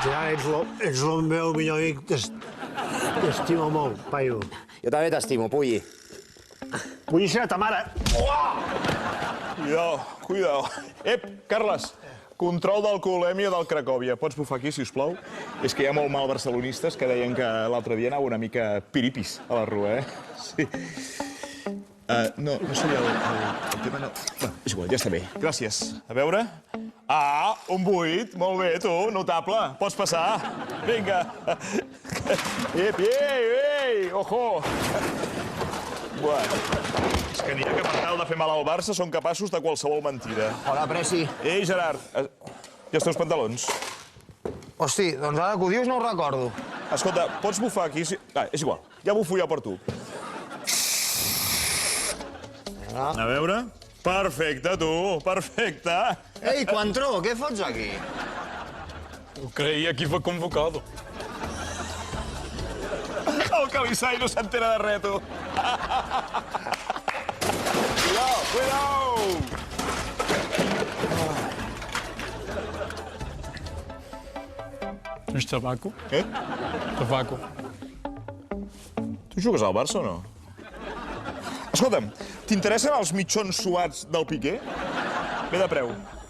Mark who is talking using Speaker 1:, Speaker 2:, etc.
Speaker 1: Ja, ets el meu millor amic. T'estimo molt, paio.
Speaker 2: Jo també t'estimo, Pulli.
Speaker 1: Vull ser ta mare.
Speaker 3: Cuidao, cuidao. Ep, Carles, control d'alcoholèmia del Cracòvia. Pots bufar aquí, si us plau? És que hi ha molt mal barcelonistes que deien que l'altre dia anava una mica piripis a la rua, Sí. No seria el tema... No. Bueno, és igual, ja està bé. Gràcies. A veure... Ah, un 8. Molt bé, tu, notable. Pots passar. Vinga. Ei, ojo. Bueno, és que n'hi ha que per tal de fer mal al Barça són capaços de qualsevol mentida.
Speaker 2: Hola, Presi.
Speaker 3: Ei, Gerard, i els teus pantalons?
Speaker 2: Hosti, doncs ara que ho dius no ho recordo.
Speaker 3: Escolta, pots bufar aquí? És igual, ja bufo jo per tu. A veure... Perfecte, tu, perfecte.
Speaker 2: Ei, Coentró, què fots aquí?
Speaker 4: Creía que fue convocado.
Speaker 3: El Calissai no s'entera de res, tu. Cuidao!
Speaker 4: ¿Es tabaco?
Speaker 3: Què?
Speaker 4: Tabaco.
Speaker 3: Tu jugues al Barça o no? Escolta'm, t'interessen els mitjons suats del Piqué? Ve de preu.